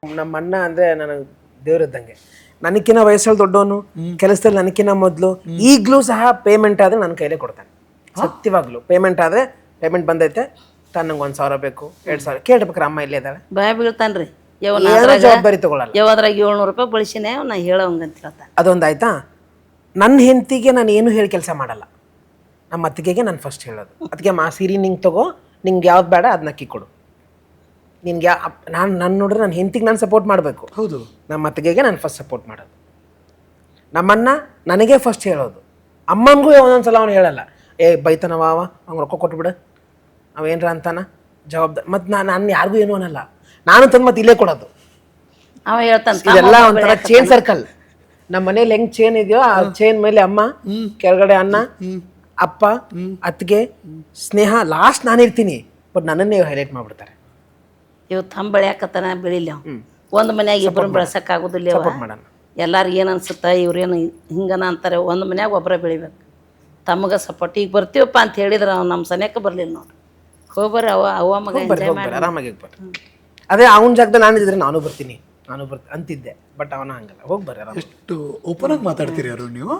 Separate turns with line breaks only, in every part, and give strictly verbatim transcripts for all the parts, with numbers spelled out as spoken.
ನಮ್ಮ ಅಣ್ಣ ಅಂದರೆ ನನಗೆ ದೇವ್ರಿದ್ದಂಗೆ. ನನಕ್ಕಿಂತ ವಯಸ್ಸಲ್ಲಿ ದೊಡ್ಡವನು, ಕೆಲಸದಲ್ಲಿ ನನಕ್ಕಿಂತ ಮೊದಲು, ಈಗಲೂ ಸಹ ಪೇಮೆಂಟ್ ಆದರೆ ನನ್ನ ಕೈಲೇ ಕೊಡ್ತಾನೆ. ಸತ್ಯವಾಗ್ಲು ಪೇಮೆಂಟ್ ಆದರೆ ಪೇಮೆಂಟ್ ಬಂದೈತೆ ತಾನು ನಂಗೆ ಒಂದು ಸಾವಿರ ಬೇಕು, ಎರಡು ಸಾವಿರ ಕೇಳ್ಬೇಕಾರೆ ಅಮ್ಮ ಇಲ್ಲೇ ಇದ್ದಾಳೆ,
ಭಯ ಬೀಳ್ತಾನ್ರಿ.
ಏನೋ ಜವಾಬ್ದಾರಿ ತಗೊಳ್ಳಲ್ಲ.
ಯಾವ್ದ್ರಾಗ ಏಳ್ನೂರು ರೂಪಾಯಿ ಬಳಸಿನೇ ನಾ ಹೇಳೋಂಗಂತ ಹೇಳ್ತಾನೆ.
ಅದೊಂದು ಆಯ್ತಾ. ನನ್ನ ಹೆಂಡತಿಗೆ ನಾನು ಏನು ಹೇಳಿ ಕೆಲಸ ಮಾಡಲ್ಲ. ನಮ್ಮ ಅತ್ತಿಗೆಗೆ ನಾನು ಫಸ್ಟ್ ಹೇಳೋದು, ಅದಕ್ಕೆ ಮಾ ಸೀರೆ ನಿಂಗೆ ತಗೋ, ನಿಂಗೆ ಯಾವ್ದು ಬೇಡ ಅದನ್ನ ಅಕ್ಕಿ ಕೊಡು. ನಿನ್ಗೆ ಯಾ ನಾನು ನನ್ನ ನೋಡ್ರೆ ನನ್ನ ಹೆಂಡತಿಗೆ ನಾನು ಸಪೋರ್ಟ್ ಮಾಡಬೇಕು.
ಹೌದು.
ನಮ್ಮ ಅತ್ತಿಗೆಗೆ ನಾನು ಫಸ್ಟ್ ಸಪೋರ್ಟ್ ಮಾಡೋದು. ನಮ್ಮನ್ನ ನನಗೆ ಫಸ್ಟ್ ಹೇಳೋದು. ಅಮ್ಮನಿಗೂ ಒಂದೊಂದ್ಸಲ ಅವ್ನು ಹೇಳಲ್ಲ, ಏ ಬೈತಾನವ ಅವ, ಅವ್ನು ರೊಕ್ಕ ಕೊಟ್ಬಿಡು, ಅವೇನ್ರ ಅಂತಾನ ಜವಾಬ್ದಾರಿ. ಮತ್ತು ನಾನು ನಾನು ಯಾರಿಗೂ ಏನೂ ಅನ್ನಲ್ಲ, ನಾನು ತಂದು ಮತ್ತೆ ಇಲ್ಲೇ ಕೊಡೋದು.
ಅವ ಹೇಳ್ತಾನೆ
ಇದೆಲ್ಲ ಒಂಥರ ಚೇನ್ ಸರ್ಕಲ್. ನಮ್ಮ ಮನೇಲಿ ಹೆಂಗ್ ಚೇನ್ ಇದೆಯೋ ಆ ಚೇನ್ ಮೇಲೆ ಅಮ್ಮ, ಕೆಳಗಡೆ ಅಣ್ಣ, ಅಪ್ಪ, ಅತ್ತಿಗೆ, ಸ್ನೇಹ, ಲಾಸ್ಟ್ ನಾನಿರ್ತೀನಿ. ಬಟ್ ನನ್ನನ್ನೇ ಹೈಲೈಟ್ ಮಾಡ್ಬಿಡ್ತಾರೆ.
ಇವ್ ತಮ್ಮ ಬೆಳ್ಯಾಕತ್ತಾನ ಬೆಳಿಲಿ ಅವ್ ಒಂದು ಮನ್ಯಾಗ ಇಬ್ಬರು ಬೆಳ್ಸಕ್ ಆಗುದಿಲ್ಲ. ಎಲ್ಲಾರು ಏನು ಅನ್ಸುತ್ತ ಇವ್ರೇನು ಹಿಂಗನ ಅಂತಾರೆ. ಒಂದು ಮನ್ಯಾಗ ಒಬ್ಬರ ಬೆಳಿಬೇಕು, ತಮ್ಮಗ ಸಪೋರ್ಟ್. ಈಗ ಬರ್ತೀವಪ್ಪ ಅಂತ ಹೇಳಿದ್ರೆ ಅವ್ನು ನಮ್ಮ ಸನೇಕ ಬರ್ಲಿಲ್ಲ ನೋಡ್ರಿ. ಹೋಗ್ಬರ್ರಿ ಅವ ಅವ ಮಗ ಎಂಜಾಯ್ ಮಾಡಿ
ಆರಾಮಾಗಿ ಬರ್ರಿ. ಅದೇ ಅವನ ಜಾಗದಲ್ಲಿ ನಾನು ಇದ್ರೆ ನಾನು ಬರ್ತೀನಿ ನಾನು ಬರ್ತೀನಿ ಅಂತಿದ್ದೆ. ಬಟ್ ಅವನ ಹಂಗಲ್ಲ, ಹೋಗಿ ಬರ್ರಿ ಆರಾಮ.
ಎಷ್ಟು ಓಪನ್ ಆಗಿ ಮಾತಾಡ್ತೀರಿ ಯಾರು ನೀವು?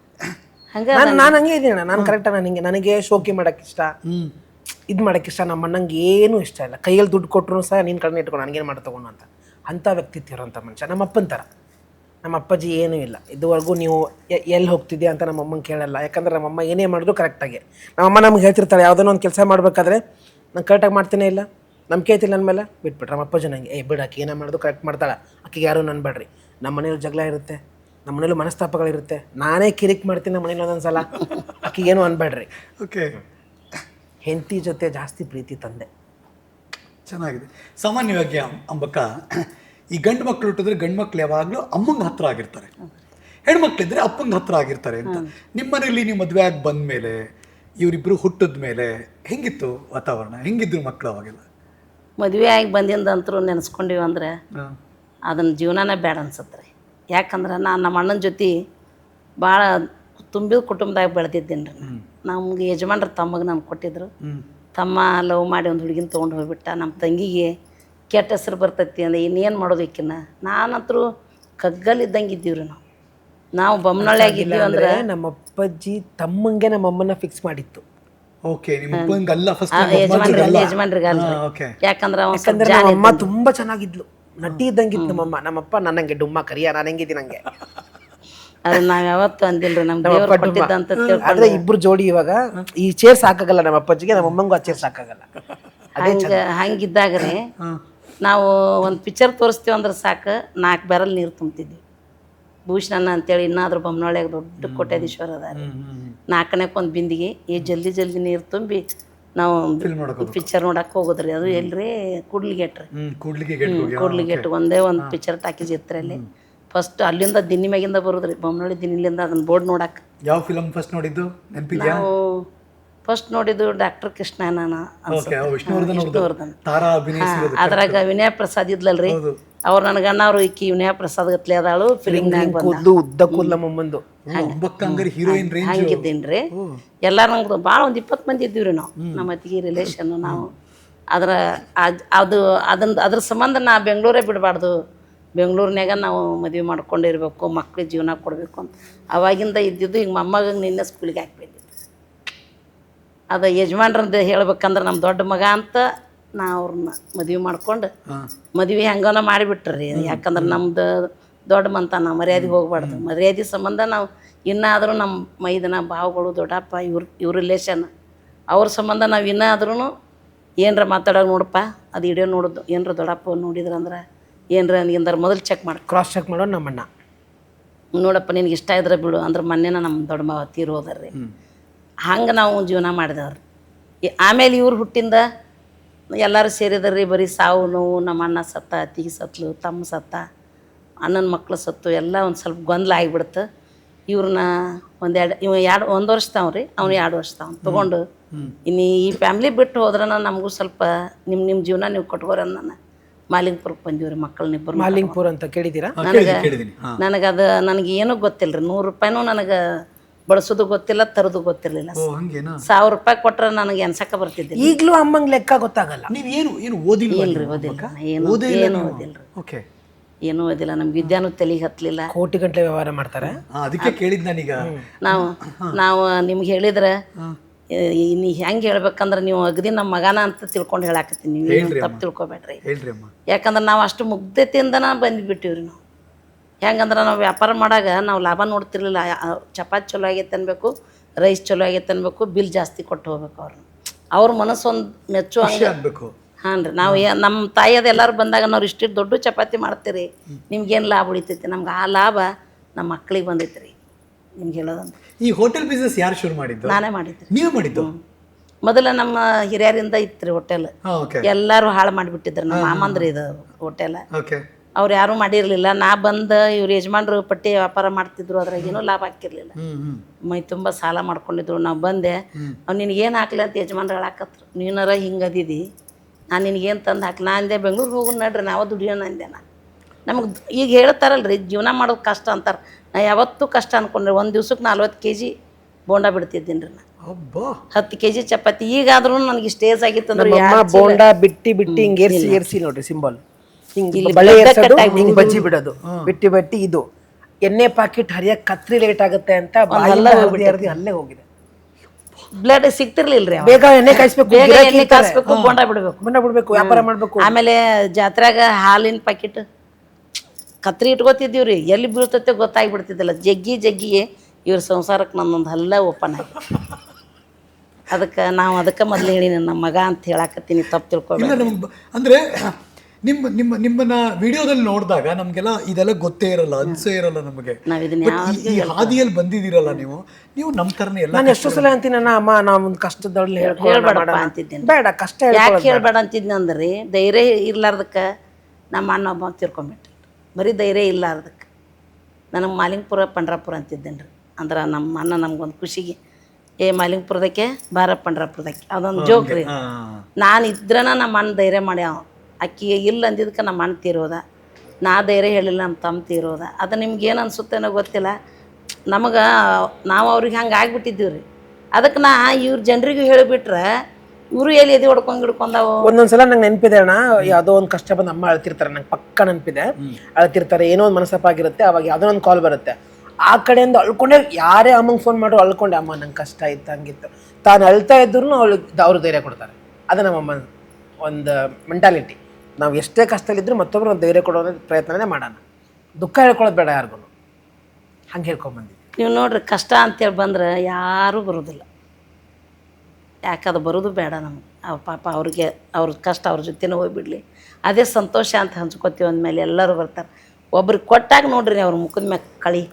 ಹಂಗ
ನಾನು ನಾನು ಹಂಗೆ ಇದ್ದೀನಿ. ನಾನು ಕರೆಕ್ಟಾಗಿ ನಾನು ಹಿಂಗೆ, ನನಗೆ ಶೋಕಿ ಮಾಡೋಕ್ಕೆ ಇಷ್ಟ, ಇದು ಮಾಡೋಕ್ಕೆ ಇಷ್ಟ. ನಮ್ಮ ಅಣ್ಣಂಗೆ ಏನೂ ಇಷ್ಟ ಇಲ್ಲ. ಕೈಯಲ್ಲಿ ದುಡ್ಡು ಕೊಟ್ಟರು ಸಹ ನಿನ್ನ ಕಡೆ ಇಟ್ಕೊಂಡು ನನಗೇನು ಮಾಡಿ ತೊಗೊಂಡು ಅಂತ ಅಂಥ ವ್ಯಕ್ತಿತ್ವ ಇರೋಂಥ ಮನುಷ್ಯ ನಮ್ಮ ಅಪ್ಪನ ಥರ. ನಮ್ಮ ಅಪ್ಪಾಜಿ ಏನೂ ಇಲ್ಲ. ಇದುವರೆಗೂ ನೀವು ಎಲ್ಲಿ ಹೋಗ್ತಿದ್ಯಾ ಅಂತ ನಮ್ಮ ಅಮ್ಮಂಗೆ ಕೇಳಲ್ಲ. ಯಾಕಂದ್ರೆ ನಮ್ಮಮ್ಮ ಏನೇ ಮಾಡಿದ್ರು ಕರೆಕ್ಟಾಗಿ. ನಮ್ಮಮ್ಮ ನಮ್ಗೆ ಹೇಳ್ತಿರ್ತಾಳೆ, ಯಾವುದೋ ಒಂದು ಕೆಲಸ ಮಾಡಬೇಕಾದ್ರೆ ನಾನು ಕರೆಕ್ಟಾಗಿ ಮಾಡ್ತೇನೆ ಇಲ್ಲ, ನಂಬಿಕೆ ಐತಿಲ್ಲ ನನ್ನ ಮೇಲೆ, ಬಿಟ್ಬಿಟ್ರೆ ನಮ್ಮ ಅಪ್ಪಾಜಿ ನಂಗೆ ಏ ಬಿಡು, ಆಕೆ ಏನೇ ಮಾಡೋದು ಕರೆಕ್ಟ್ ಮಾಡ್ತಾಳೆ, ಆಕೆಗೆ ಯಾರೂ ನನ್ಬೇಡ್ರಿ. ನಮ್ಮ ಮನೇಲಿ ಜಗಳ ಇರುತ್ತೆ, ನಮ್ಮ ಮನೇಲಿ ಮನಸ್ತಾಪಗಳಿರುತ್ತೆ, ನಾನೇ ಕಿರಿಕ್ ಮಾಡ್ತೀನಿ ನಮ್ಮ ಮನೇಲಿ ಒಂದೊಂದು ಸಲ, ಆಕೆಗೇನು ಅನ್ಬೇಡ್ರಿ.
ಓಕೆ.
ಹೆಂಡತಿ ಜೊತೆ ಜಾಸ್ತಿ ಪ್ರೀತಿ ತಂದೆ.
ಚೆನ್ನಾಗಿದೆ. ಸಾಮಾನ್ಯವಾಗಿ ಅಂಬಕ್ಕ ಈ ಗಂಡು ಮಕ್ಕಳು ಹುಟ್ಟಿದ್ರೆ ಗಂಡು ಮಕ್ಳು ಯಾವಾಗಲೂ ಅಮ್ಮಂಗೆ ಹತ್ರ ಆಗಿರ್ತಾರೆ, ಹೆಣ್ಮಕ್ಳಿದ್ರೆ ಅಪ್ಪಂಗೆ ಹತ್ರ ಆಗಿರ್ತಾರೆ ಅಂತ. ನಿಮ್ಮ ಮನೇಲಿ ನೀವು ಮದುವೆ ಆಗಿ ಬಂದ ಮೇಲೆ ಇವರಿಬ್ಬರು ಹುಟ್ಟಿದ ಮೇಲೆ ಹೆಂಗಿತ್ತು ವಾತಾವರಣ? ಹೆಂಗಿದ್ರು ಮಕ್ಕಳು ಅವಾಗೆಲ್ಲ?
ಮದುವೆ ಆಗಿ ಬಂದಿಂದ ಅಂತರೂ ನೆನೆಸ್ಕೊಂಡಿವಿ ಅಂದ್ರೆ ಅದನ್ನ ಜೀವನನೇ ಬೇಡ ಅನ್ಸತ್ತೆ ರೀ. ಯಾಕಂದ್ರೆ ನಾನು ನಮ್ಮ ಅಣ್ಣನ ಜೊತೆ ಭಾಳ ತುಂಬಿದ ಕುಟುಂಬದಾಗ ಬೆಳೆದಿದ್ದೀನಿ ರೀ. ನಮ್ಗೆ ಯಜಮಾನ್ರ ತಮ್ಮಗೆ ನಾನು ಕೊಟ್ಟಿದ್ರು. ತಮ್ಮ ಲವ್ ಮಾಡಿ ಒಂದು ಹುಡುಗಿನ ತೊಗೊಂಡು ಹೋಗ್ಬಿಟ್ಟ. ನಮ್ಮ ತಂಗಿಗೆ ಕೆಟ್ಟ ಹೆಸರು ಬರ್ತೈತಿ ಅಂದ್ರೆ ಇನ್ನೇನು ಮಾಡೋದು ಈಕಿನ್ನ. ನಾನಂತರೂ ಕಗ್ಗಲ್ಲಿದ್ದಂಗೆ ಇದ್ದೀವ್ರಿ ನಾವು. ನಾವು ಬೊಮ್ಮನಳ್ಳಿಯಾಗಿದ್ದೀವಿ ಅಂದ್ರೆ
ನಮ್ಮ ಅಪ್ಪಾಜಿ ತಮ್ಮಂಗೆ ನಮ್ಮ ಅಮ್ಮನ ಫಿಕ್ಸ್ ಮಾಡಿತ್ತು.
ಓಕೆ. ನಿಮ್ಮ ಅಪ್ಪಂಗೆ ಅಲ್ಲ, ಫಸ್ಟ್
ಯಜಮಾನ್ರಿಗೆ ಯಜಮಾನ್ರಿಗೆ ಅಲ್ಲ. ಯಾಕಂದ್ರೆ ಅವ್ನು ಸ್ವಲ್ಪ
ನಮ್ಮ ಅಮ್ಮ ತುಂಬಾ ಚೆನ್ನಾಗಿದ್ಲು, ನಟಿ ಇದ್ದಂಗಿತ್ತು ನಮ್ಮಮ್ಮ. ನಮ್ಮಪ್ಪ ನನ್ನಂಗೆ ಡುಮ್ಮ ಕರಿಯ, ನಾನು ಹೆಂಗಿದ್ದೀನಿ ನಂಗೆ.
ಅದನ್ನ ನಾವ್ ಯಾವತ್ತೂ ಅಂದಿಲ್ರಿ. ನಮ್ ದೇವ್ರು ಕೊಟ್ಟಿದ್ದಂತ
ಆದ್ರೆ ಇಬ್ರು ಜೋಡಿ ಇವಾಗ ಈ ಚೇರ್ ಸಾಕಾಗಲ್ಲ ನಮ್ಮ ಅಪ್ಪಾಜಿಗೆ, ನಮ್ಮ ಅಮ್ಮಂಗೂ ಆ ಚೇರ್ ಸಾಕಾಗಲ್ಲ.
ಹಂಗ ಹಂಗಿದ್ದಾಗ್ರಿ ನಾವು ಒಂದು ಪಿಕ್ಚರ್ ತೋರಿಸ್ತೀವಿ ಅಂದ್ರೆ ಸಾಕು ನಾಲ್ಕು ಬ್ಯಾರಲ್ ನೀರು ತುಂಬ್ತಿದ್ವಿ. ಭೂಷಣ ಅಂತೇಳಿ ಇನ್ನಾದ್ರೂ ಬೊಮ್ಮನಳ್ಳಿಯಾಗ ದೊಡ್ಡ ಕೋಟ್ಯಾಧೀಶ್ವರ ಅದ. ನಾಲ್ಕನೇಕ್ಕೆ ಒಂದು ಬಿಂದಿಗೆ ಈ ಜಲ್ದಿ ಜಲ್ದಿ ನೀರು ತುಂಬಿ ನಾವು ಪಿಕ್ಚರ್ ನೋಡಕ್ಕೆ ಹೋಗೋದ್ರಿ. ಅದು ಎಲ್ರಿ ಕೂಡ್ಲಿಗೇಟ್ ರೀ. ಕೂಡ್ಲಿಗೇಟ್ ಒಂದೇ ಒಂದು ಪಿಕ್ಚರ್ ಟಾಕೀಸ್ ಇತ್ತು ಅಲ್ಲಿ. ಫಸ್ಟ್ ಅಲ್ಲಿಂದ ದಿನ್ನಿ ಮ್ಯಾಗಿಂದ ಬರೋದ್ರಿ, ಬೊಮ್ಮನಳ್ಳಿ ದಿನ್ನಿಲಿಂದ ಅದನ್ನ ಬೋರ್ಡ್ ನೋಡಕ್ಕೆ.
ಯಾವ ಫಿಲಮ್ ಫಸ್ಟ್ ನೋಡಿದ್ದು ನೆನಪಿದ್ಯಾ?
ನಾವು ಫಸ್ಟ್ ನೋಡಿದ್ದು ಡಾಕ್ಟರ್ ಕೃಷ್ಣನ ವಿಷ್ಣುವರ್ಧನ್. ಅದ್ರಾಗ ವಿನಯ ಪ್ರಸಾದ್ ಇದ್ಲಲ್ರಿ, ಅವ್ರು ನನ್ನ ಗಣ್ಣ ಅವ್ರು ಈಕಿ ವಿನಯ ಪ್ರಸಾದ್ ಗತ್ಲೆ ಅದಾಳು ಫಿಲಿಮ್ನಾಗ ಹಂಗಿದ್ದೀನ್ರಿ. ಎಲ್ಲಾರು ನಂಗೆ ಭಾಳ ಒಂದು ಇಪ್ಪತ್ತು ಮಂದಿ ಇದ್ದೀವ್ರಿ ನಾವು, ನಮ್ಮ ಅತ್ತಿಗೆ ರಿಲೇಷನ್ ನಾವು. ಅದ್ರ ಅದು ಅದನ್ನ ಅದ್ರ ಸಂಬಂಧ ನಾ ಬೆಂಗಳೂರೇ ಬಿಡಬಾರ್ದು, ಬೆಂಗಳೂರಿನಾಗ ನಾವು ಮದುವೆ ಮಾಡ್ಕೊಂಡಿರ್ಬೇಕು, ಮಕ್ಳಿಗೆ ಜೀವನ ಕೊಡಬೇಕು ಅಂತ ಅವಾಗಿಂದ ಇದ್ದಿದ್ದು. ಈಗ ಮೊಮ್ಮಗ ನಿನ್ನೆ ಸ್ಕೂಲಿಗೆ ಹಾಕ್ಬಿಟ್ಟಿದ್ದೆ. ಅದು ಯಜಮಾನ್ರಂದು ಹೇಳ್ಬೇಕಂದ್ರೆ ನಮ್ಮ ದೊಡ್ಡ ಮಗ ಅಂತ ನಾ ಅವ್ರನ್ನ ಮದುವೆ ಮಾಡ್ಕೊಂಡು ಮದುವೆ ಹೆಂಗನ ಮಾಡಿಬಿಟ್ರಿ. ಯಾಕಂದ್ರೆ ನಮ್ದು ದೊಡ್ಡ ಮಂತ ನಾವು ಮರ್ಯಾದೆಗೆ ಹೋಗ್ಬಾರ್ದು. ಮರ್ಯಾದೆ ಸಂಬಂಧ ನಾವು ಇನ್ನಾದರೂ ನಮ್ಮ ಮೈದನ ಭಾವಗಳು ದೊಡ್ಡಪ್ಪ ಇವ್ರ ಇವ್ರ ರಿಲೇಷನ್ ಅವ್ರ ಸಂಬಂಧ ನಾವು ಇನ್ನಾದ್ರೂ ಏನರ ಮಾತಾಡೋದು ನೋಡಪ್ಪ ಅದು ಇಡೀ ನೋಡೋದು ಏನರ ದೊಡ್ಡಪ್ಪ ನೋಡಿದ್ರಂದ್ರೆ ಏನರ ನಿಂದಾರ ಮೊದಲು ಚೆಕ್ ಮಾಡಿ
ಕ್ರಾಸ್ ಚೆಕ್ ಮಾಡೋದು ನಮ್ಮಣ್ಣ.
ನೋಡಪ್ಪ ನಿನಗೆ ಇಷ್ಟ ಇದ್ರೆ ಬಿಡು ಅಂದ್ರೆ ಮೊನ್ನೆನ ನಮ್ಮ ದೊಡ್ಡ ಮಾವ ತೀರೋದರ್ರಿ. ಹಂಗೆ ನಾವು ಜೀವನ ಮಾಡಿದವ್ರಿ. ಆಮೇಲೆ ಇವ್ರು ಹುಟ್ಟಿಂದ ಎಲ್ಲರೂ ಸೇರಿದ್ರಿ, ಬರೀ ಸಾವು ನೋವು. ನಮ್ಮ ಅಣ್ಣ ಸತ್ತ, ಅತ್ತಿಗೆ ಸತ್ಲು, ತಮ್ಮ ಸತ್ತ, ಅಣ್ಣನ ಮಕ್ಳು ಸತ್ತು, ಎಲ್ಲ ಒಂದು ಸ್ವಲ್ಪ ಗೊಂದಲ ಆಗಿಬಿಡ್ತು. ಇವ್ರನ್ನ ಒಂದೆರಡು ಇವ ಎರಡು ಒಂದು ವರ್ಷ ತಾವ್ರಿ, ಅವ್ನು ಎರಡು ವರ್ಷ ತಾವ್ ತೊಗೊಂಡು ಇನ್ನು ಈ ಫ್ಯಾಮ್ಲಿ ಬಿಟ್ಟು ಹೋದ್ರೆ ನಮಗೂ ಸ್ವಲ್ಪ ನಿಮ್ಮ ನಿಮ್ಮ ಜೀವನ ನೀವು ಕೊಟ್ಕೋರಿ ಅಂದ ನಾನು ಮಾಲಿಂಗ್ಪುರಕ್ಕೆ ಬಂದೀವ್ರಿ. ಮಕ್ಕಳನ್ನಿಬ್ಬರು
ಮಾಲಿಂಗ್ಪುರ ಅಂತ ಕೇಳಿದ್ದೀರಾ?
ನನಗೆ ನನಗದು ನನಗೆ ಏನೂ ಗೊತ್ತಿಲ್ಲ ರೀ. ನೂರು ರೂಪಾಯಿನೂ ನನಗೆ ಬಳಸೋದು ಗೊತ್ತಿಲ್ಲ, ತರೋದು ಗೊತ್ತಿರಲಿಲ್ಲ. ಸಾವಿರ ರೂಪಾಯಿ ಕೊಟ್ರೆ ನನಗೆ ಎನ್ಸಕ್ಕೆ ಬರ್ತಿದ್ದಿಲ್ಲ.
ಈಗಲೂ ಅಮ್ಮಂಗೆ ಲೆಕ್ಕ ಗೊತ್ತಾಗಲ್ಲ.
ನೀವು ಏನು ಏನು ಓದಿಲ್ಲ?
ಇಲ್ರಿ, ಓದಿಲ್ಲ, ಏನು ಏನು ಓದಿಲ್ಲ. ಏನೂ ಓದಿಲ್ಲ ನಮ್ಗೆ ವಿದ್ಯಾನೂ ತಲೆಗೆ ಹತ್ತಲಿಲ್ಲ.
ಕೋಟಿ ಗಂಟೆ ವ್ಯವಹಾರ ಮಾಡ್ತಾರೆ.
ಆ, ಅದಕ್ಕೆ ಕೇಳಿದ್ ನಾನೀಗ.
ನಾವು ನಾವು ನಿಮ್ಗೆ ಹೇಳಿದ್ರೆ ನೀ ಹೆಂಗೆ ಹೇಳ್ಬೇಕಂದ್ರೆ ನೀವು ಅಗದಿ ನಮ್ಮ ಮಗನ ಅಂತ ತಿಳ್ಕೊಂಡು ಹೇಳಾಕತ್ತೀನಿ, ನೀವು ತಪ್ಪು ತಿಳ್ಕೊಬೇಡ್ರಿ.
ಹೇಳ್ರಿ ಅಮ್ಮ.
ಯಾಕಂದ್ರೆ ನಾವು ಅಷ್ಟು ಮುಗ್ಧತೆಯಿಂದನ ಬಂದುಬಿಟ್ಟಿವ್ರಿ. ನಾವು ಹೆಂಗಂದ್ರೆ ನಾವು ವ್ಯಾಪಾರ ಮಾಡಾಗ ನಾವು ಲಾಭ ನೋಡ್ತಿರ್ಲಿಲ್ಲ. ಚಪಾತಿ ಚಲೋ ಆಗೈತೆ ಅನ್ಬೇಕು, ರೈಸ್ ಚಲೋ ಆಗೈತೆ ಅನ್ಬೇಕು, ಬಿಲ್ ಜಾಸ್ತಿ ಕೊಟ್ಟು ಹೋಗ್ಬೇಕು ಅವ್ರನ್ನ. ಅವ್ರ ಮನಸ್ಸು ಒಂದು ಮೆಚ್ಚುವಂಗೆ
ಆಗ್ಬೇಕು.
ಹಾಂ ರೀ. ನಾವು ನಮ್ಮ ತಾಯಿಯದು ಎಲ್ಲರೂ ಬಂದಾಗ ನಾವು ಇಷ್ಟಿಟ್ಟು ದೊಡ್ಡ ಚಪಾತಿ ಮಾಡ್ತೀರಿ, ನಿಮ್ಗೇನು ಲಾಭ ಉಳಿತೈತಿ? ನಮ್ಗೆ ಆ ಲಾಭ ನಮ್ಮ ಮಕ್ಳಿಗೆ ಬಂದೈತೆ ರೀ. ನಿಮ್ಗೆ ಹೇಳೋದಂತ
ಈ ಹೋಟೆಲ್ ಬಿಸ್ನೆಸ್ ಯಾರು ಶುರು ಮಾಡಿದ್ದು?
ನಾನೇ ಮಾಡಿದ್ದೆ.
ನೀವೇ ಮಾಡಿದ್ದು?
ಮೊದಲ ನಮ್ಮ ಹಿರಿಯರಿಂದ ಇತ್ತು ರೀ ಹೋಟೆಲ್. ಎಲ್ಲರೂ ಹಾಳು ಮಾಡಿಬಿಟ್ಟಿದ್ರು. ನಮ್ಮ ಮಾಮಂದ್ರಿ ಇದು ಹೋಟೆಲ್. ಅವ್ರು ಯಾರೂ ಮಾಡಿರಲಿಲ್ಲ. ನಾ ಬಂದು ಇವ್ರು ಯಜಮಾನ್ರು ಪಟ್ಟಿ ವ್ಯಾಪಾರ ಮಾಡ್ತಿದ್ರು, ಅದ್ರಾಗ ಏನೂ ಲಾಭ ಹಾಕಿರ್ಲಿಲ್ಲ. ಮೈ ತುಂಬ ಸಾಲ ಮಾಡ್ಕೊಂಡಿದ್ರು. ನಾವು ಬಂದೆ, ಅವ್ನು ನಿನಗೇನು ಹಾಕ್ಲಿ ಅಂತ ಯಜಮಾನ್ರು ಹೇಳಾಕತ್ರು. ನೀನಾರ ಹಿಂಗೆ ಅದಿದಿ, ನಾನು ನಿನಗೇನು ತಂದು ಹಾಕ್ಲಿ? ನಾ ಅಂದೆ ಬೆಂಗ್ಳೂರಿಗೆ ಹೋಗೋಣ ನಡ್ರಿ, ನಾವು ದುಡಿಯೋಣ ಅಂದೆ. ನಾ ನಮಗೆ ಈಗ ಹೇಳ್ತಾರಲ್ರಿ ಜೀವನ ಮಾಡೋದು ಕಷ್ಟ ಅಂತಾರೆ. ನಾ ಯಾವತ್ತೂ ಕಷ್ಟ ಅನ್ಕೊಂಡ್ರಿ. ಒಂದು ದಿವ್ಸಕ್ಕೆ ನಲ್ವತ್ತು ಕೆ ಜಿ ಬೋಂಡ ಬಿಡ್ತಿದ್ದೀನಿ ರೀ. ನಾ ಹತ್ತು ಕೆ ಜಿ ಚಪಾತಿ. ಈಗಾದ್ರೂ ನನಗೆ ಸ್ಟೇಜ್ ಆಗಿತ್ತು ಅಂದ್ರೆ
ಬೋಂಡ ಬಿಟ್ಟಿ ಬಿಟ್ಟಿ ಹಿಂಗೆ ಏರ್ಸಿ ಏರ್ಸಿ ನೋಡ್ರಿ ಸಿಂಬಲ್, ಹಿಂಗೆ ಬಳೆ ಏರ್ಸೋದು, ಹಿಂಗೆ ಬಜ್ಜಿ ಬಿಡೋದು, ಬಿಟ್ಟಿ ಬಿಟ್ಟಿ. ಇದು ಎಣ್ಣೆ ಪಾಕೆಟ್ ಹರಿಯಕ್ಕೆ ಕತ್ರಿ ಲೇಟ್ ಆಗುತ್ತೆ ಅಂತ ಅಲ್ಲೇ ಹೋಗಿದೆ.
ಬ್ಲಡ್ ಸಿಗ್ತಿರ್ಲಿಲ್ಲ ರೀ.
ಬೇಗ ಎಣ್ಣೆ ಕಾಯಿಸ್ಬೇಕು,
ಬೇಗ ಎಣ್ಣೆ ಕಾಯಿಸ್ಬೇಕು, ಬೋಂಡ ಬಿಡ್ಬೇಕು,
ಬೋಂಡ ಬಿಡ್ಬೇಕು, ವ್ಯಾಪಾರ ಮಾಡ್ಬೇಕು.
ಆಮೇಲೆ ಜಾತ್ರೆಗ ಹಾಲಿನ ಪ್ಯಾಕೆಟ್ ಕತ್ರಿ ಇಟ್ಕೋತಿದ್ದೀವಿ ರೀ. ಎಲ್ಲಿ ಬೀಳ್ತೈತೆ ಗೊತ್ತಾಗ್ಬಿಡ್ತಿದ್ದಿಲ್ಲ. ಜಗ್ಗಿ ಜಗ್ಗಿಗೆ ಇವ್ರ ಸಂಸಾರಕ್ಕೆ ನನ್ನೊಂದು ಹಲ್ಲ ಓಪನ್ ಆಗಿ. ಅದಕ್ಕೆ ನಾವು ಅದಕ್ಕೆ ಮೊದಲು ಹೇಳಿ ನಮ್ಮ ಮಗ ಅಂತ ಹೇಳಾಕತ್ತೀನಿ, ತಪ್ಪು ತಿಳ್ಕೊಬೇಡ.
ಅಂದರೆ ನಿಮ್ಮ ನಿಮ್ಮ ನಿಮ್ಮನ್ನ ವಿಡಿಯೋದಲ್ಲಿ ನೋಡಿದಾಗ ನಮಗೆಲ್ಲ ಇದೆಲ್ಲ ಗೊತ್ತೇ ಇರಲ್ಲ, ಅನ್ಸೇ ಇರಲ್ಲ ನಮಗೆ.
ನಾವು ಇದನ್ನ
ಈ ಹಾದಿಯಲ್ಲಿ ಬಂದಿದ್ದೀರಲ್ಲ ನೀವು, ನೀವು ನಮ್ಮ ಥರನೇ ಎಲ್ಲ.
ನಾನು ಎಷ್ಟೋ ಸಲ ಅಂತೀನಿ, ನನ್ನ ಅಮ್ಮ ನಾವು ಒಂದು ಕಷ್ಟದಲ್ಲಿ
ಹೇಳ್ಬೇಡಪ್ಪ ಅಂತಿದ್ದೇನೆ.
ಬೇಡ ಕಷ್ಟ
ಯಾಕೆ ಹೇಳ್ಬೇಡ ಅಂತಿದ್ನಿ ಅಂದ್ರೆ ಧೈರ್ಯ ಇರ್ಲಾರ್ದಕ್ಕೆ ನಮ್ಮ ಅಣ್ಣ ಒಬ್ಬ ತಿರ್ಕೊಂಬಿಟ್ರಿ. ಬರೀ ಧೈರ್ಯ ಇಲ್ಲಾರ್ದಕ್ಕೆ ನನಗೆ ಮಾಲಿಂಗಪುರ ಪಂಡ್ರಾಪುರ ಅಂತಿದ್ದೇನೆ ರೀ. ಅಂದ್ರೆ ನಮ್ಮ ಅಣ್ಣ ನಮ್ಗೊಂದು ಖುಷಿಗೆ ಏ ಮಾಲಿಂಗಪುರದಕ್ಕೆ ಬಾರ ಪಂಡ್ರಾಪುರದಕ್ಕೆ ಅದೊಂದು ಜೋಕ್ ರೀ. ನಾನು ಇದ್ರನ ನಮ್ಮ ಅಣ್ಣ ಧೈರ್ಯ ಮಾಡ್ಯಾವ. ಅಕ್ಕಿ ಇಲ್ಲ ಅಂದಿದ್ದಕ್ಕೆ ನಮ್ಮ ಅಣ್ಣ ತೀರೋದ, ನಾ ಧೈರ್ಯ ಹೇಳಿಲ್ಲ ನಮ್ಮ ತಮ್ಮ ತೀರೋದ. ಅದು ನಿಮ್ಗೆ ಏನು ಅನಿಸುತ್ತೇನೋ ಗೊತ್ತಿಲ್ಲ. ನಮಗೆ ನಾವು ಅವ್ರಿಗೆ ಹಂಗೆ ಆಗ್ಬಿಟ್ಟಿದ್ದೀವಿ ರೀ. ಅದಕ್ಕೆ ನಾ ಇವ್ರ ಜನರಿಗೂ ಹೇಳಿಬಿಟ್ರೆ ಇವರು ಎಲ್ಲಿ ಎದೆ ಹೊಡ್ಕೊಂಡು ಹಿಡ್ಕೊಂಡಾವು.
ಒಂದೊಂದ್ಸಲ ನಂಗೆ ನೆನಪಿದೆ ಅಣ್ಣ, ಯಾವುದೋ ಒಂದು ಕಷ್ಟ ಬಂದು ಅಮ್ಮ ಅಳ್ತಿರ್ತಾರೆ, ನಂಗೆ ಪಕ್ಕ ನೆನಪಿದೆ. ಅಳ್ತಿರ್ತಾರೆ, ಏನೋ ಒಂದು ಮನಸ್ಸಪ್ಪಾಗಿರುತ್ತೆ. ಅವಾಗ ಯಾವುದೋ ಒಂದು ಕಾಲ್ ಬರುತ್ತೆ, ಆ ಕಡೆಯಿಂದ ಅಳ್ಕೊಂಡೆ ಯಾರೇ ಅಮ್ಮಂಗೆ ಫೋನ್ ಮಾಡೋ ಅಳ್ಕೊಂಡೆ, ಅಮ್ಮ ನಂಗೆ ಕಷ್ಟ ಇತ್ತು ಹಂಗಿತ್ತು. ತಾನು ಅಳ್ತಾ ಇದ್ರು ಅವಳಿಗೆ ಅವರು ಧೈರ್ಯ ಕೊಡ್ತಾರೆ. ಅದು ನಮ್ಮಮ್ಮ ಒಂದು ಮೆಂಟಾಲಿಟಿ. ನಾವು ಎಷ್ಟೇ ಕಷ್ಟದಲ್ಲಿದ್ದರೂ ಮತ್ತೊಬ್ಬರು ಒಂದು ಧೈರ್ಯ ಕೊಡೋ ಪ್ರಯತ್ನನೇ ಮಾಡೋಣ. ದುಃಖ ಹೇಳ್ಕೊಳ್ಳೋದು ಬೇಡ ಯಾರಿಗೂ, ಹಂಗೆ ಹೇಳ್ಕೊಂಬಂದಿದ್ವಿ.
ನೀವು ನೋಡ್ರಿ, ಕಷ್ಟ ಅಂತೇಳಿ ಬಂದ್ರೆ ಯಾರೂ ಬರೋದಿಲ್ಲ. ಯಾಕದು ಬರೋದು ಬೇಡ ನಮ್ಗೆ. ಅವ್ರ ಪಾಪ ಅವ್ರಿಗೆ ಅವ್ರ ಕಷ್ಟ ಅವ್ರ ಜೊತೆನೇ ಹೋಗ್ಬಿಡ್ಲಿ, ಅದೇ ಸಂತೋಷ ಅಂತ ಹಂಚ್ಕೊತೀವಿ. ಅಂದಮೇಲೆ ಎಲ್ಲರೂ ಬರ್ತಾರೆ. ಒಬ್ರಿಗೆ ಕೊಟ್ಟಾಗ ನೋಡ್ರಿ ಅವ್ರ ಮುಖದ ಮ್ಯಾಗ ಕಳಿ.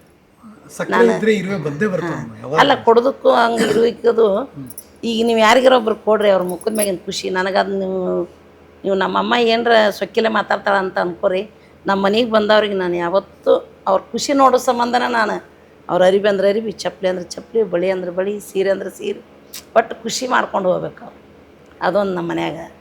ಅಲ್ಲ ಕೊಡೋದಕ್ಕೂ ಹಂಗೆ ಇರುವಿಕ್ಕದು. ಈಗ ನೀವು ಯಾರಿಗಾರ ಒಬ್ರು ಕೊಡ್ರಿ, ಅವ್ರ ಮುಖದ ಮ್ಯಾಗಿನ ಖುಷಿ ನನಗದು. ನೀವು ನೀವು ನಮ್ಮಮ್ಮ ಏನರ ಸೊಕ್ಕಿಲೆ ಮಾತಾಡ್ತಾಳೆ ಅಂತ ಅನ್ಕೋರಿ. ನಮ್ಮ ಮನೆಗೆ ಬಂದವ್ರಿಗೆ ನಾನು ಯಾವತ್ತೂ ಅವ್ರ ಖುಷಿ ನೋಡೋ ಸಂಬಂಧನ ನಾನು ಅವ್ರ ಅರಿಬಿ ಅಂದ್ರೆ ಅರಿಬಿ, ಚಪ್ಪಲಿ ಅಂದ್ರೆ ಚಪ್ಪಲಿ, ಬಳಿ ಅಂದ್ರೆ ಬಳಿ, ಸೀರೆ ಅಂದ್ರೆ ಸೀರೆ, ಒಟ್ಟು ಖುಷಿ ಮಾಡ್ಕೊಂಡು ಹೋಗ್ಬೇಕು ಅವ್ರು. ಅದೊಂದು ನಮ್ಮ ಮನ್ಯಾಗ